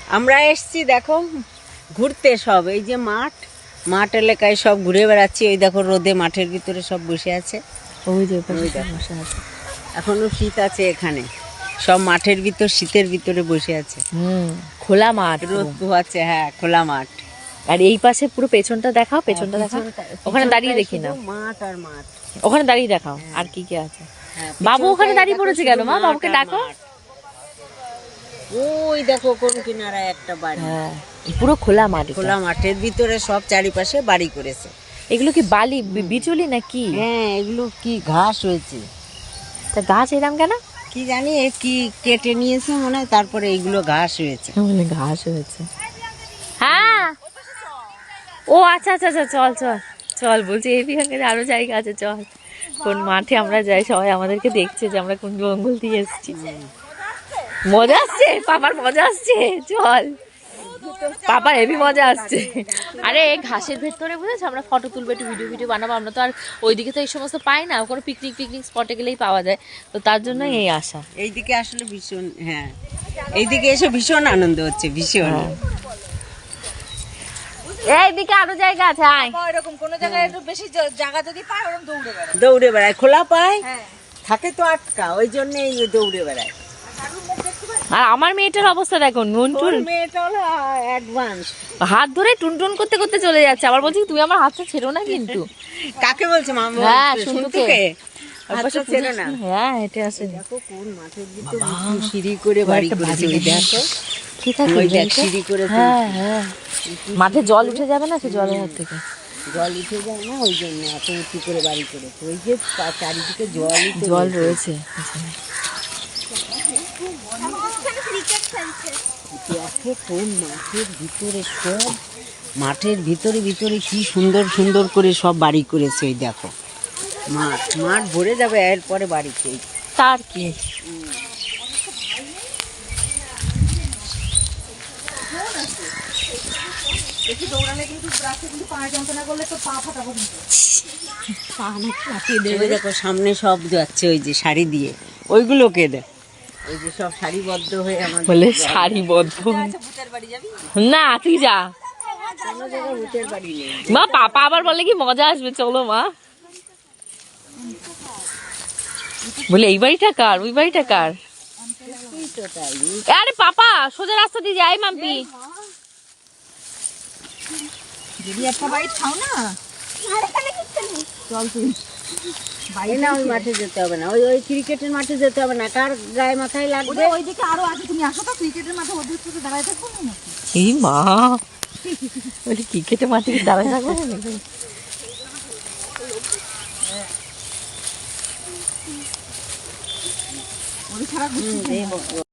আমরা এসছি দেখো ঘুরতে, সব এই যে মাঠ এলাকায় সব ঘুরে বেড়াচ্ছি। ওই দেখো রোদে মাঠের ভিতরে সব বসে আছে। ওই যে বসে আছে। এখনো শীত আছে এখানে, সব মাঠের ভিতর শীতের ভিতরে বসে আছে। খোলা মাঠ, রোদ পোহাচ্ছে। হ্যাঁ, খোলা মাঠ। আর এই পাশে পুরো পেছনটা দেখাও, পেছনটা দেখাও। ওখানে দাঁড়িয়ে দেখি না, মাঠ আর মাঠ। ওখানে দাঁড়িয়ে দেখাও আর কি কি আছে। বাবু ওখানে দাঁড়িয়ে পড়েছে কেন মা? বাবুকে ডাকো। ওই দেখো কোন কিনারায় একটা বাড়ি। হ্যাঁ, পুরো খোলা মাঠ, খোলা মাঠের ভিতরে সব চারিপাশে বাড়ি করেছে। এগুলো কি বালি বিচুলি নাকি? হ্যাঁ, এগুলো কি ঘাস হয়েছে। তা গাছ এরকম কেন কি জানি, কি কেটে নিয়েছে মনে হয়, তারপরে এগুলো ঘাস হয়েছে। ঘাস হয়েছে। হ্যাঁ, ও আচ্ছা আচ্ছা আচ্ছা, চল চল চল, বলছি এই বিহাঙ্গে আরো জায়গা আছে, চল। কোন মাঠে আমরা যাই, সবাই আমাদেরকে দেখছে যে আমরা কোন জঙ্গল দিয়ে এসেছি। মজা আসছে, পাপার মজা আসছে, চল। পাপার হেভি মজা আসছে। আরে ঘাসের ভেতরে বুঝেছো, আমরা ফটো তুলবো, একটু ভিডিও বানাবো। আমরা তো আর ওইদিকে তো এই সমস্ত পাই না, কোনো পিকনিক স্পটে গেলেই পাওয়া যায়, তো তার জন্য এই আশা। এইদিকে আসলে ভীষণ, হ্যাঁ এইদিকে এসে ভীষণ আনন্দ হচ্ছে, ভীষণ। এইদিকে আরো জায়গা আছে, আয়। এরকম কোন জায়গায় একটু বেশি জায়গা যদি পায় ওরকম দৌড়ে বেড়ায়, খোলা পায়, থাকে তো আটকা, ওই জন্য দৌড়ে বেড়ায়। আর আমার মেয়েটার অবস্থা দেখো, নুনটুন, মেয়েটা হলো অ্যাডভান্স, হাত ধরে টুনটুন করতে করতে চলে যাচ্ছে। আবার বলছি তুমি আমার হাতটা ছেড়ো না কিন্তু। কাকে বলছে মামা? হ্যাঁ, শুনতুকে। হাতটা ছেড়ো না। হ্যাঁ, হেঁটে আসে। দেখো কোন মাঠের ভিতরে সিঁড়ি করে বাড়ি করেছে, ওই দেখো কি থাকে ওই দেখ সিঁড়ি করে। হ্যাঁ হ্যাঁ, মাঠে জল উঠে যাবে না, সে জলের হাত থেকে জল উঠে যায় না, ওই জন্য এত উঁচু করে বাড়ি করেছে। ওই যে চারিদিকে জল রয়েছে। দেখো কোন মাঠের ভিতরে, সব মাঠের ভিতরে কি সুন্দর সুন্দর করে সব বাড়ি করেছে। ওই দেখো মাঠ ভরে যাবে এরপরে বাড়িতে। তার কি দেখো সামনে সব যাচ্ছে, ওই যে শাড়ি দিয়ে, ওইগুলোকে দেখ, ওই যে সব সারিবদ্ধ হয়ে আমার বলে সারিবদ্ধ। না তুই যা মা, পাপা আবার বলে কি মজা আসবে, চলো মা। বলে এই বাড়িটা কার, ওই বাড়িটা কার? আরে পাপা সোজা রাস্তা দিয়ে যাই মাম্পি। যদি একটা বাইট খাও না, চল তুই বাইরে না, ওই মাঠে যেতে হবে না, ওই ক্রিকেটের মাঠে যেতে হবে না। কার গায়ে মাথায় লাগবে? ওইদিকে আরো আছে, তুমি আসো তো, ক্রিকেটের মাঠে ওদের সাথে দাঁড়ায় থাকবো না। এই মা, বলে ক্রিকেটের মাঠে দাঁড়ায় থাকবো ওদের ছাড়া